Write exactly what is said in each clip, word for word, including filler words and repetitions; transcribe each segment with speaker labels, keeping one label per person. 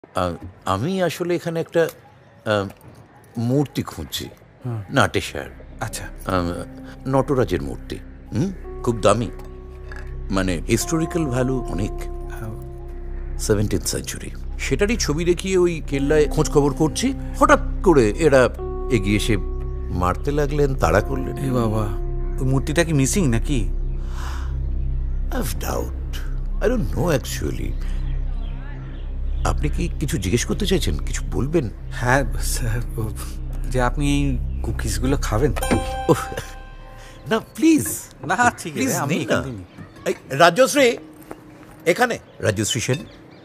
Speaker 1: আমি আসলে এখানে একটা আহ, মূর্তি খুঁজছি, নাটেশ্বর।
Speaker 2: আচ্ছা,
Speaker 1: নটরাজের মূর্তি। হুম, খুব দামি, মানে হিস্টোরিক্যাল ভ্যালু অনেক, সেভেন্টিন সেঞ্চুরি। সেটারই ছবি দেখিয়ে ওই কেল্লায় খোঁজ খবর করছি, হঠাৎ করে এরা এগিয়ে এসে মারতে লাগলেন, তাড়া করলেন।
Speaker 2: এ বাবা, ওই মূর্তিটা কি মিসিং নাকি?
Speaker 1: I've doubt. I don't know actually. আপনি কি কিছু জিজ্ঞেস করতে চাইছেন? কিছু বলবেন?
Speaker 2: হ্যাঁ স্যার, ও- যে আপনি এই কুকিজগুলো খাবেন?
Speaker 1: ওহ, না প্লিজ।
Speaker 2: না ঠিক
Speaker 1: প্লিজ
Speaker 2: আছে, আমি
Speaker 1: নিন
Speaker 2: এখান
Speaker 1: না।
Speaker 2: থেকে নিই।
Speaker 1: এই রাজশ্রী এখানে, রাজশ্রী সেন।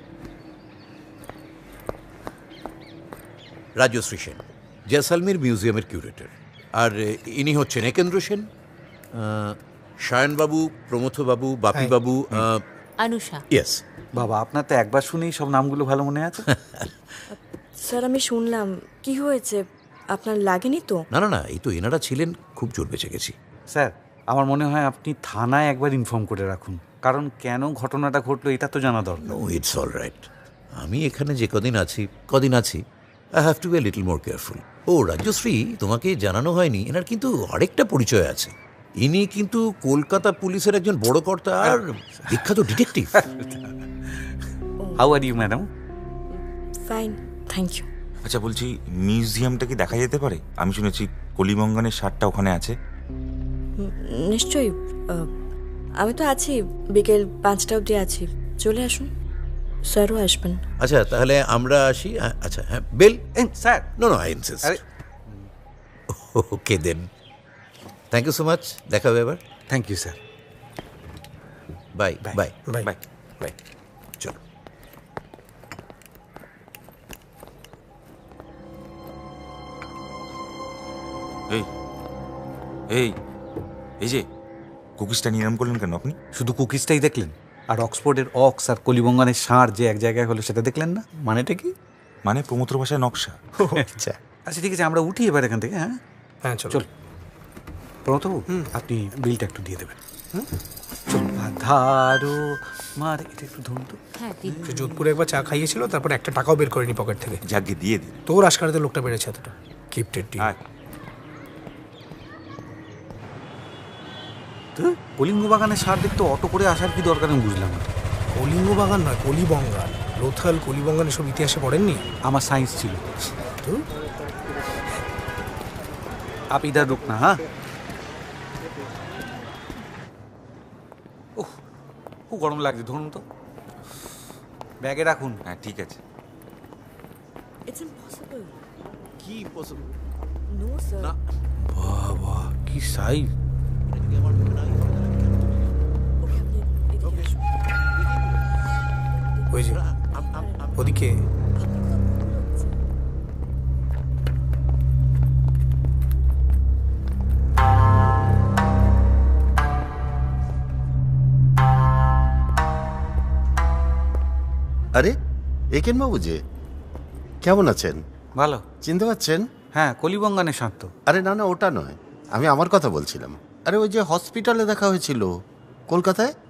Speaker 1: রাজশ্রী সেন জয়সালমীর মিউজিয়ামের কিউরেটর। আর ইনি হচ্ছেন একেন্দ্র সেন, আহ, সায়নবাবু, প্রমথবাবু, বাপিবাবু।
Speaker 3: আনুষা।
Speaker 1: ইয়েস।
Speaker 2: বাবা, আপনার তো একবার শুনেই সব নামগুলো ভালো মনে আছে।
Speaker 4: স্যার আমি শুনলাম, কি হয়েছে, আপনার লাগেনি তো?
Speaker 1: না না না, এই তো এনারা ছিলেন, খুব জোর বেঁচে গেছি।
Speaker 2: স্যার, আমার মনে হয় আপনি থানায় একবার ইনফর্ম করে রাখুন, কারণ কেন ঘটনাটা ঘটলো এটা তো জানা দরকার।
Speaker 1: No, it's all right. আমি এখানে যে কদিন আছি কদিন আছি I have to be little more careful. ও রাজশ্রী, তোমাকে জানানো হয়নি, এনার কিন্তু আরেকটা পরিচয় আছে। ইনি কিন্তু কলকাতা পুলিশের একজন বড় কর্তা আর বিখ্যাত detective.
Speaker 2: How are you madam?
Speaker 4: Fine, thank you.
Speaker 5: আচ্ছা বলছি, মিউজিয়ামটা কি দেখা যেতে পারে? আমি শুনেছি কলিমঙ্গনের শার্টটা ওখানে আছে।
Speaker 4: নিশ্চয়ই, আহ, আমি তো আছি, বিকেল পাঁচটা অবধি আছি, চলে আসুন। স্যারও আসবেন।
Speaker 1: আচ্ছা তাহলে আমরা আসি। হ্যাঁ, আচ্ছা হ্যাঁ, bell.
Speaker 2: Sir,
Speaker 1: no no, I insist.
Speaker 2: আরে
Speaker 1: okay then, thank you so much. দেখা হবে এবার।
Speaker 2: Thank you sir.
Speaker 1: Bye bye
Speaker 5: bye bye.
Speaker 1: Bye. চলো।
Speaker 5: এই এই এই যে কুকিজটা নিলাম করলেন কেন আপনি?
Speaker 2: শুধু কুকিজটাই দেখলেন? আর অক্সফোর্ডের অক্স আর কলিবঙ্গানের ষাঁড় যে এক জায়গায় হলো সেটা দেখলেন না? মানেটা কি?
Speaker 5: মানে প্রমোত্র ভাষায় নকশা।
Speaker 2: আচ্ছা আচ্ছা, ঠিক আছে, আমরা উঠি এবার এখান থেকে। হ্যাঁ
Speaker 6: হ্যাঁ চল
Speaker 2: চল প্রণতবাবু, আপনি বিলটা একটু দিয়ে দেবেন। চল ধারো মার, এটা একটু ধরুন তো।
Speaker 3: হ্যাঁ দিন।
Speaker 6: সে যোধপুরে একবার চা খাইয়েছিল, তারপর একটা টাকাও বের করেনি পকেট থেকে।
Speaker 5: যাকে দিয়ে দিন।
Speaker 6: তোর আশকারাতে লোকটা বেড়েছে এতটা কিপটেড টি।
Speaker 5: আয়।
Speaker 2: তো কলিঙ্গ বাগানের ষাঁড় দেখতে অটো করে আসার কি দরকার আমি বুঝলাম না।
Speaker 6: কলিঙ্গ বাগান নয়, কলিবঙ্গান। লোথাল কলিবঙ্গান এসব ইতিহাসে পড়েননি?
Speaker 2: আমার সায়েন্স ছিল।
Speaker 6: তো
Speaker 2: আপ ইধার রুক না। হ্যাঁ, ওহ খুব গরম লাগছে, ধরুন তো। ব্যাগে রাখুন।
Speaker 5: হ্যাঁ ঠিক আছে।
Speaker 4: It's impossible.
Speaker 1: কি পসিবল?
Speaker 4: No sir.
Speaker 1: না,
Speaker 2: বাবা কি সাইজ!
Speaker 1: আমার মনে নাই।
Speaker 4: ওকে, আপনি এদিকে আসুন।
Speaker 6: ওই যে ওদিকে
Speaker 7: আরে একেন বাবু যে, কেমন আছেন?
Speaker 2: ভালো।
Speaker 7: চিনতে পারছেন?
Speaker 2: হ্যাঁ, কলিবঙ্গানের ষাঁড় তো।
Speaker 7: আরে না না, ওটা নয়, আমি আমার কথা বলছিলাম। আরে ওই যে হসপিটালে দেখা হয়েছিল কলকাতায়,